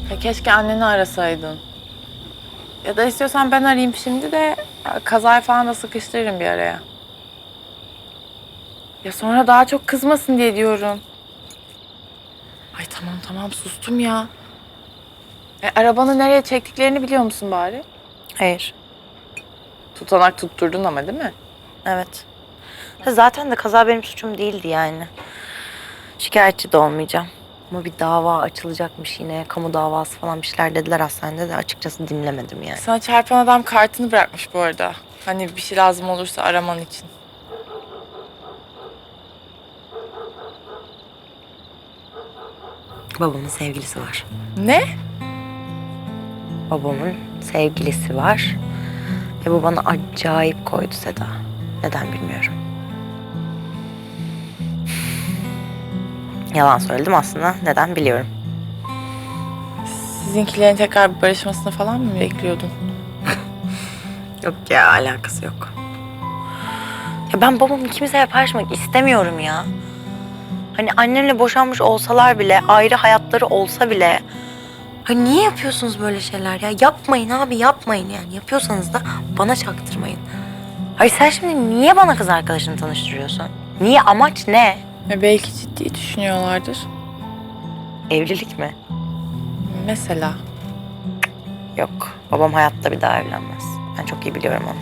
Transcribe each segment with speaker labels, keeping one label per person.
Speaker 1: Ya keşke anneni arasaydın. Ya da istiyorsan ben arayayım şimdi de kazayı falan da sıkıştırırım bir araya. Ya sonra daha çok kızmasın diye diyorum. Ay tamam sustum ya. Arabanı nereye çektiklerini biliyor musun bari?
Speaker 2: Hayır.
Speaker 1: Tutanak tutturdun ama değil mi?
Speaker 2: Evet. Zaten de kaza benim suçum değildi yani. Şikayetçi de olmayacağım. Ama bir dava açılacakmış yine. Kamu davası falan bir şeyler dediler hastanede de açıkçası dinlemedim yani.
Speaker 1: Sana çarpan adam kartını bırakmış bu arada. Hani bir şey lazım olursa araman için.
Speaker 2: Babamın sevgilisi var.
Speaker 1: Ne?
Speaker 2: Babamın sevgilisi var. Ve bu bana acayip koydu Seda. Neden bilmiyorum. Yalan söyledim aslında. Neden biliyorum.
Speaker 1: Sizinkilerin tekrar bir barışmasını falan mı bekliyordun?
Speaker 2: Yok ya, alakası yok. Ya ben babamı kimseye paylaşmak istemiyorum ya. Hani annemle boşanmış olsalar bile, ayrı hayatları olsa bile... Hani niye yapıyorsunuz böyle şeyler ya? Yapmayın abi, yapmayın yani. Yapıyorsanız da bana çaktırmayın. Hayır sen şimdi niye bana kız arkadaşını tanıştırıyorsun? Niye? Amaç ne?
Speaker 1: Belki ciddi düşünüyorlardır.
Speaker 2: Evlilik mi?
Speaker 1: Mesela.
Speaker 2: Yok. Babam hayatta bir daha evlenmez. Ben çok iyi biliyorum onu.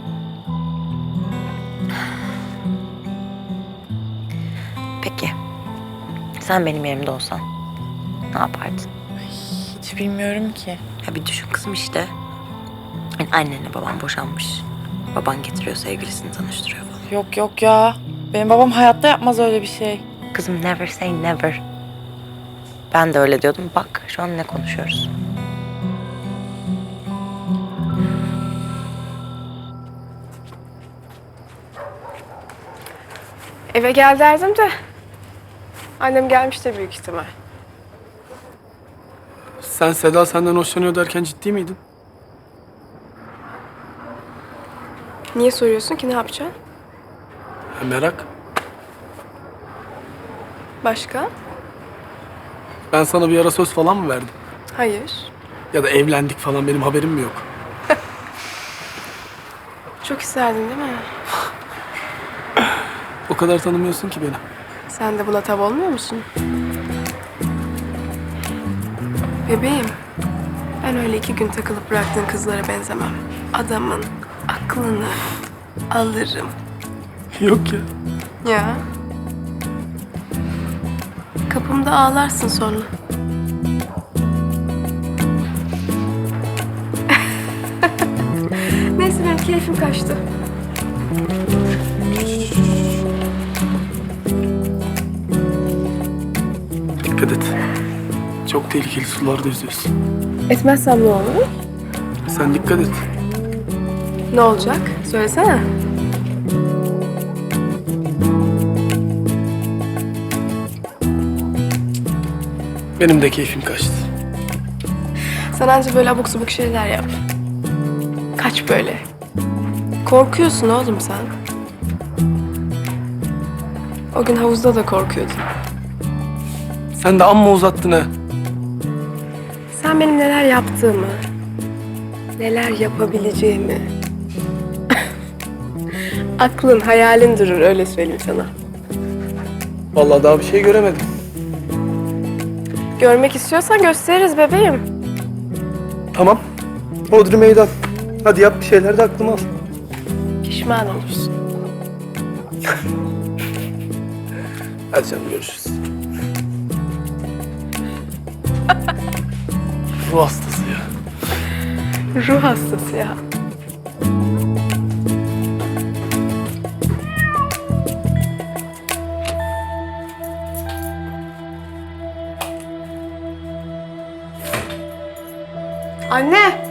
Speaker 2: Peki. Sen benim yerimde olsan ne yapardın?
Speaker 1: Hiç bilmiyorum ki.
Speaker 2: Ya bir düşün kızım işte. Yani annenle babam boşanmış. Baban getiriyor sevgilisini tanıştırıyor falan.
Speaker 1: Yok ya. Benim babam hayatta yapmaz öyle bir şey.
Speaker 2: Kızım never say never. Ben de öyle diyordum. Bak şu an ne konuşuyoruz.
Speaker 3: Eve gel derdim de annem gelmiştir büyük ihtimal.
Speaker 4: Sen Seda senden hoşlanıyor derken ciddi miydin?
Speaker 3: Niye soruyorsun ki, ne yapacaksın?
Speaker 4: Merak.
Speaker 3: Başka?
Speaker 4: Ben sana bir ara söz falan mı verdim?
Speaker 3: Hayır.
Speaker 4: Ya da evlendik falan benim haberim mi yok?
Speaker 3: Çok isterdin değil mi?
Speaker 4: O kadar tanımıyorsun ki beni.
Speaker 3: Sen de buna tav olmuyor musun? Bebeğim, ben öyle 2 gün takılıp bıraktığın kızlara benzemem. Adamın aklını alırım.
Speaker 4: Yok ya.
Speaker 3: Ya. Kapımda ağlarsın sonra. Neyse benim keyfim kaçtı.
Speaker 4: Dikkat et. Çok tehlikeli sularda yüzüyorsun.
Speaker 3: Etmezsem ne olur?
Speaker 4: Sen dikkat et.
Speaker 3: Ne olacak? Söylesene.
Speaker 4: Benim de keyfim kaçtı.
Speaker 3: Sen anca böyle abuk subuk şeyler yap. Kaç böyle. Korkuyorsun oğlum sen. O gün havuzda da korkuyordun.
Speaker 4: Sen de amma uzattın ha.
Speaker 3: Sen benim neler yaptığımı, neler yapabileceğimi... Aklın, hayalin durur, öyle söyleyeyim sana.
Speaker 4: Vallahi daha bir şey göremedim.
Speaker 3: Görmek istiyorsan gösteririz bebeğim.
Speaker 4: Tamam. Hodri meydan. Hadi yap bir şeyler de aklıma al.
Speaker 3: Pişman olursun.
Speaker 4: Hadi canım görüşürüz. Ruh hastası ya.
Speaker 3: Ruh hastası ya. Anne!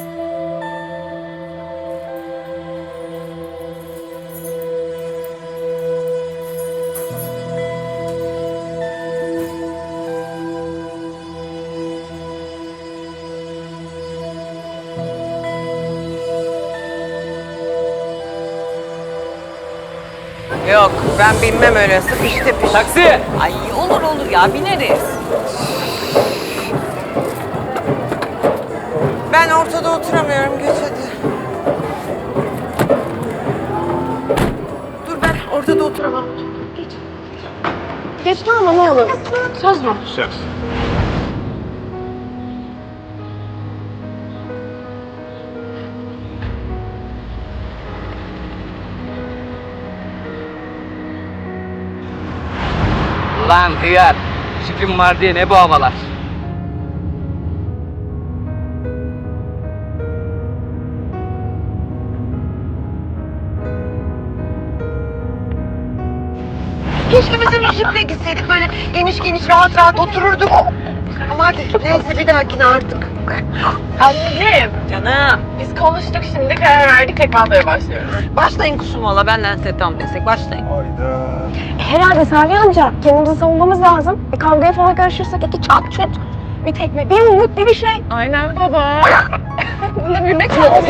Speaker 5: Yok, ben binmem öyle sıkış tepiş.
Speaker 6: Taksi!
Speaker 5: Ay olur ya bineriz. Ben ortada oturamıyorum. Geç hadi. Dur ben ortada oturamam.
Speaker 3: Geçme ama ne olur. Söz mü?
Speaker 4: Söz.
Speaker 6: Lan hıyar, şifim var diye ne bu havalar?
Speaker 5: Keşke bizim jiple gitseydik. Böyle geniş geniş rahat rahat otururduk. Ama hadi neyse bir dahakine artık.
Speaker 1: Annem.
Speaker 5: Canım.
Speaker 1: Biz konuştuk şimdi karar verdik tekrarlara başlıyoruz.
Speaker 5: Başlayın kusum valla. Benden size tam destek. Başlayın.
Speaker 4: Hayda.
Speaker 3: Herhalde Salih amca. Kendimizi savunmamız lazım. Bir kavgaya falan karışırsak iki çat çut. Bir tekme, bir yumruk, bir şey.
Speaker 1: Aynen baba.
Speaker 3: Bunda büyümek lazım.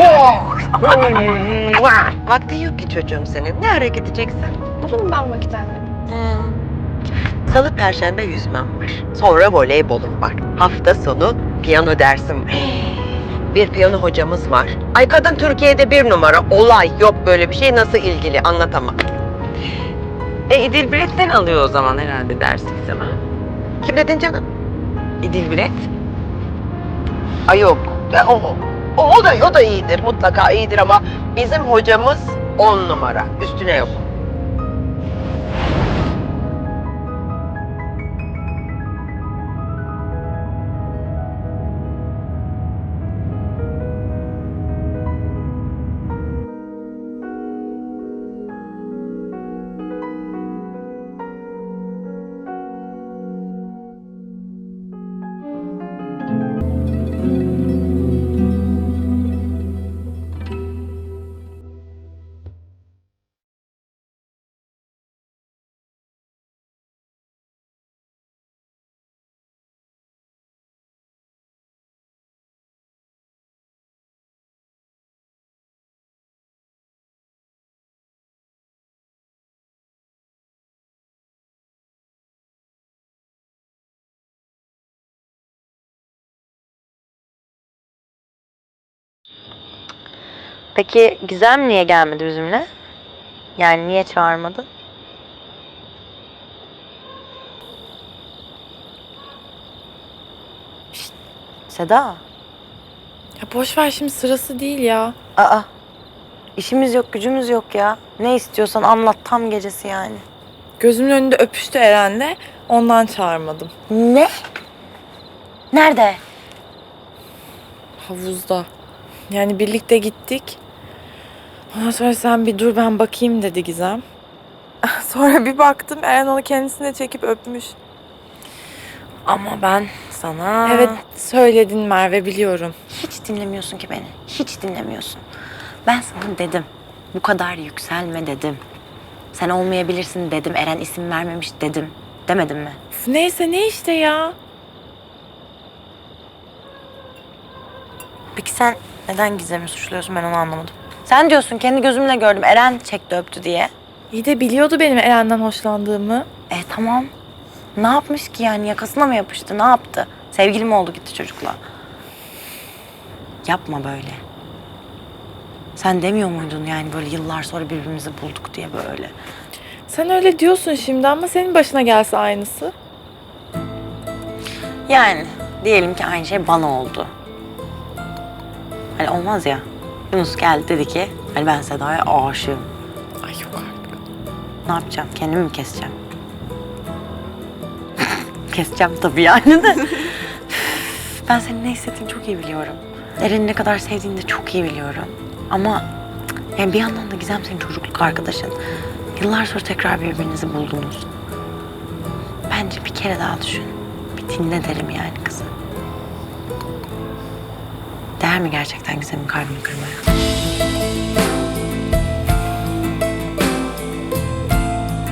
Speaker 5: Vakti yok ki çocuğum senin. Ne ara gideceksin?
Speaker 3: Bulun ben vakit anne.
Speaker 5: Salı, perşembe yüzmem var. Sonra voleybolum var. Hafta sonu piyano dersim var. Bir piyano hocamız var. Ay kadın Türkiye'de bir numara. Olay yok böyle bir şey. Nasıl ilgili anlatamam. İdil Bilet'ten alıyor o zaman herhalde dersi sana. Kim dedin canım? İdil Bilet? Ay yok. O da iyidir. Mutlaka iyidir ama bizim hocamız 10 numara. Üstüne yok.
Speaker 2: Peki Gizem niye gelmedi bizimle? Yani niye çağırmadı? Şşt, Seda.
Speaker 1: Ya boş ver şimdi sırası değil ya.
Speaker 2: Aa, işimiz yok, gücümüz yok ya. Ne istiyorsan anlat, tam gecesi yani.
Speaker 1: Gözümün önünde öpüştü Eren'le. Ondan çağırmadım.
Speaker 2: Ne? Nerede?
Speaker 1: Havuzda. Yani birlikte gittik. Ondan sonra sen bir dur ben bakayım dedi Gizem. Sonra bir baktım Eren onu kendisine çekip öpmüş.
Speaker 2: Ama ben sana...
Speaker 1: Evet söyledin Merve biliyorum.
Speaker 2: Hiç dinlemiyorsun ki beni. Hiç dinlemiyorsun. Ben sana dedim. Bu kadar yükselme dedim. Sen olmayabilirsin dedim. Eren isim vermemiş dedim. Demedim mi?
Speaker 1: Uf, neyse ne işte ya.
Speaker 2: Peki sen neden Gizem'i suçluyorsun, ben onu anlamadım. Sen diyorsun kendi gözümle gördüm Eren çekti öptü diye.
Speaker 1: İyi de biliyordu benim Eren'den hoşlandığımı.
Speaker 2: Tamam. Ne yapmış ki yani, yakasına mı yapıştı, ne yaptı? Sevgili mi oldu gitti çocukla? Yapma böyle. Sen demiyor muydun yani böyle yıllar sonra birbirimizi bulduk diye böyle?
Speaker 1: Sen öyle diyorsun şimdi ama senin başına gelse aynısı.
Speaker 2: Yani diyelim ki aynı şey bana oldu. Hani olmaz ya. Yunus geldi dedi ki hani ben Seda'ya aşığım.
Speaker 1: Ay yok artık.
Speaker 2: Ne yapacağım? Kendimi mi keseceğim? Keseceğim tabii yani de. Ben senin ne hissettiğini çok iyi biliyorum. Eren'i ne kadar sevdiğini de çok iyi biliyorum. Ama yani bir yandan da Gizem senin çocukluk arkadaşın. Yıllar sonra tekrar birbirinizi buldunuz. Bence bir kere daha düşün. Bir dinle derim yani kızı. Değer mi gerçekten Gizem'in kalbini kırmaya?